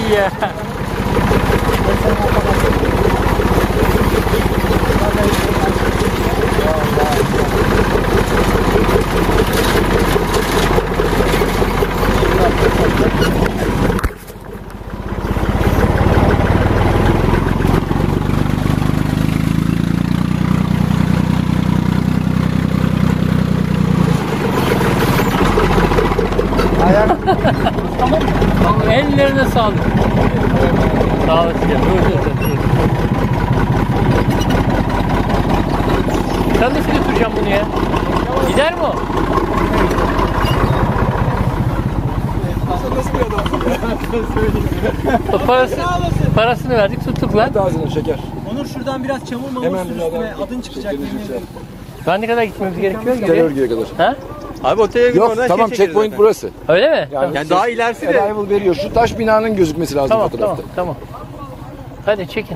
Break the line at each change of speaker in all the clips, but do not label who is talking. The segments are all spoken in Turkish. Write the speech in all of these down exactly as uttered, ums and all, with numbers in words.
ya.
Tamam.
Tamam, ellerine sağlık. Sağ olasın. Dur dur dur. Sen nasıl götüreceğim bunu ya? Gider mi o?
Nasıl bir adam?
O parası, parasını verdik, tuttuk lan.
Ağzına şeker.
Onur şuradan biraz çamur mamur
Hemen
sür
bir adam-
üstüne, adın çıkacak.
Şekerini
yemin ederim.
Şu an ne kadar gitmemiz gerekiyor?
Gel
Geriye?
örgüye kadar.
Ha?
Abi otele gidip
Yok
oradan
tamam
şey çekeriz
checkpoint
zaten.
burası.
Öyle mi?
Yani,
Yani daha ilerisi de.
Arrival veriyor. Şu taş binanın gözükmesi lazım
Tamam,
fotoğrafta.
tamam, tamam. Hadi çekin.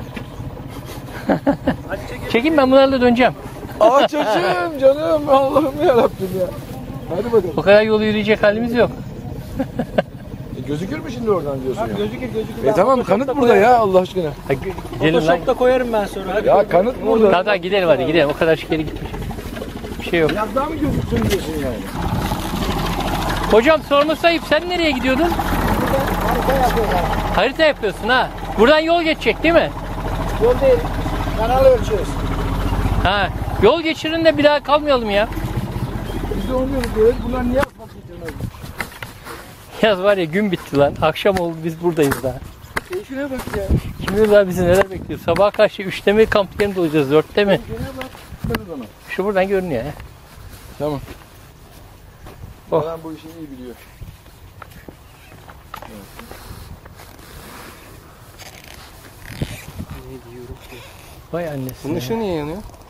Çekin, ben bunlarla döneceğim.
Aa çocuğum canım Allah'ım yarabbim ya. Hadi bakalım.
O kadar yolu yürüyecek halimiz yok.
E, gözükür mü şimdi oradan diyorsun ya?
Gözükür gözükür.
E tamam kanıt burada ya Allah aşkına.
Ha, g- gidelim lan.
Photoshop'ta koyarım ben sonra. Hadi.
Ya kanıt burada.
Tamam tamam gidelim hadi gidelim. O kadar geri gitmiş. Bir şey yok.
Biraz daha mı gözüksün diyorsun yani?
Hocam sorması ayıp. Sen nereye gidiyordun?
Harika yapıyorlar.
Harita yapıyorsun ha. Buradan yol geçecek değil mi?
Yol değil. Kanal ölçüyoruz.
Ha. Yol geçirin de bir daha kalmayalım ya.
Biz de onu diyoruz böyle. Bunlar niye asfalt getirmez?
Yaz var ya, gün bitti lan. Akşam oldu, biz buradayız daha.
Keyfine bak ya.
Kim bilir daha bizi neler bekliyor. Sabah karşı üçte mi kamp yerinde olacağız, dörtte mi?
Keyfine bak. Bakın ona.
Şu buradan görünüyor ya.
Tamam.
Oh.
Adam bu işi iyi biliyor.
Vay annesi.
Bunun
ya.
ışığı niye yanıyor?